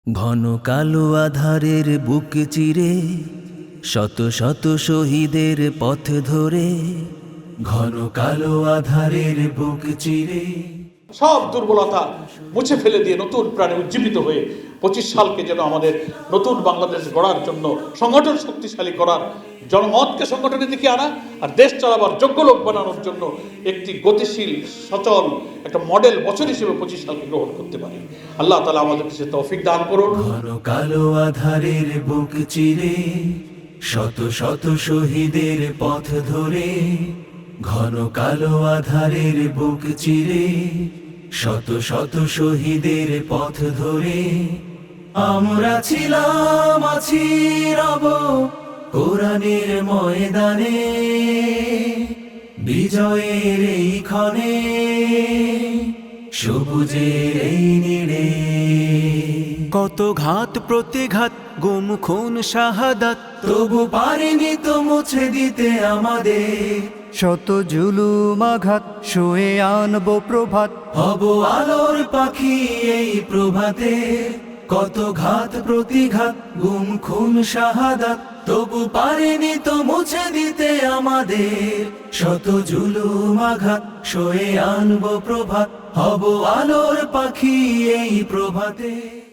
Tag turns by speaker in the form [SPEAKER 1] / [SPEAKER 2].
[SPEAKER 1] ঘন কালো আধারের বুক চিরে শত শত শহীদের পথ ধরে, ঘন কালো আধারের বুক চিরে
[SPEAKER 2] সব দুর্বলতা মুছে ফেলে দিয়ে নতুন প্রাণে উজ্জীবিত হয়ে 25 সালকে যেন আমাদের নতুন বাংলাদেশ গড়ার জন্য সংগঠন শক্তিশালী করার, জনমতকে সংগঠনের দিকে আনা আর দেশ চালাবার যোগ্য লোক বানানোর জন্য একটি গতিশীল সচল একটা মডেল বছর হিসেবে 25 সালকে গ্রহণ করতে পারি। আল্লাহ তাআলা আমাদেরকে সে তৌফিক দান করুন।
[SPEAKER 1] ঘন কালো আধারের বুক চিরে শত শত শহীদের পথ ধরে, ঘন কালো আধারের বুক চিরে শত শত শহীদের পথ ধরে আমরা ছিলাম, আছি, রব কোরআনের ময়দানে, বিজয়ের এই ক্ষণে, সবুজের এই নীড়ে। কত ঘাত প্রতিঘাত, গুম খুন শাহাদাত, তবু পারিনি তো মুছে দিতে আমাদের
[SPEAKER 3] শত জুলুম আঘাত, শুয়ে আনবো প্রভাত,
[SPEAKER 1] হব আলোর পাখি এই প্রভাতে। কত ঘাত প্রতিঘাত, গুম খুন শাহাদাত, তবু পারিনি তো মুছে দিতে আমাদের শত জুলুম আঘাত, শুয়ে আনবো প্রভাত, হব আলোর পাখি এই প্রভাতে।